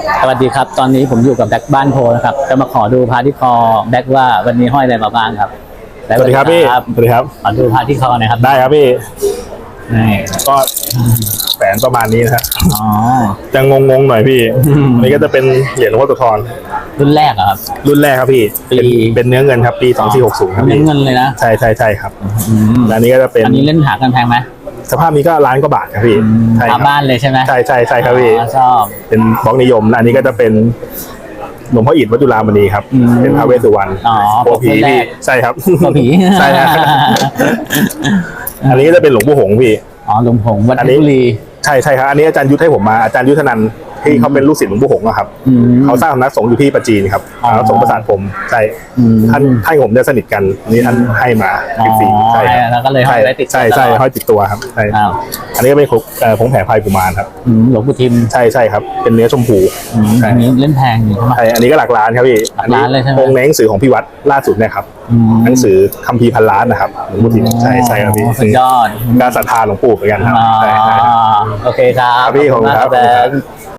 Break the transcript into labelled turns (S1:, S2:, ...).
S1: สวัสดีครับตอนนี้ผมอยู่กับแบ็คบ้านโพนะครับจะมาขอดูพระที่คอแบ็คว่าวันนี้ห้อยอะไรมาบ้างครับ
S2: สวัสดีครับพี่สวัสดีครับ
S1: ขอดูพระที่คอหน่อยครับ
S2: ได้ครับพี่
S1: นี่
S2: ก็แฝนประมาณนี้นะครับ
S1: อ๋อ
S2: จะงงหน่อยพี่อันนี้ก็จะเป็นเหรียญหลวงพ่อโสธร
S1: รุ่นแรกเหรอครับ
S2: รุ่นแรกครับพี่เป็นเนื้อเงินครับปี2460ครับ
S1: เนื้
S2: พี่
S1: อเงินเลยนะ
S2: ใช่ครับอันนี้ก็จะเป็น
S1: อันนี้เล่นหากันแพงไหม
S2: สภาพนี้ก็ล้านกว่าบาทครับพี่
S1: ใช่บ้านเลยใช่ไหม
S2: ใช่ครับพี่
S1: ชอบ
S2: เป็นบล็อกนิยมอันนี้ก็จะเป็นหลวงพ่ออิฐวัดจุฬามณีครับเป็นพระเวสสุวรรณโอผีพี่ใช่ครับ
S1: โอผี
S2: ใช่ครับอันนี้ก็จะเป็นหลวงปู่หงส์พี่
S1: อ๋อหลวงปู่หงส์วัดเพชรบุรี
S2: ใช่ครับอันนี้อาจารย์ยุทธให้ผมมาอาจารย์ยุทธนันท์ที่เขาเป็นลูกศิษย์หลวงปู่หงส์ครับเขาสร้างสำนักสงฆ์อยู่ที่ปัจจีนครับสำนักสงฆ์ประสาทผมใช่ท่านผมจะสนิทกันนี่ท่านให้มาฟรี
S1: ใช่แล้วก็เลยห้อยไว้ติด
S2: ใช่ห้อยติดตัวครับใช่อันนี้ก็เป็นผงแผ่พายกุมารครับ
S1: หลวงปู่ทิม
S2: ใช่ครับเป็นเนื้อชมพู
S1: อันนี้เล่นแพงอยู่ใช่ไหม
S2: ใช่อันนี้ก็หลักล้านครับพี่
S1: หลักล้านเลยใช่ไหม
S2: องค์ในหนังสือของพี่วัดล่าสุดเนี่ยครับหนังสือคัมภีร์พันล้านนะครับหลวงปู่ทิมใช่ครับพี่
S1: สุดยอด
S2: การศรัทธาหลวงปู่เหมือนกันครับ
S1: โอเคครับ
S2: พี่ขอบคุณครับ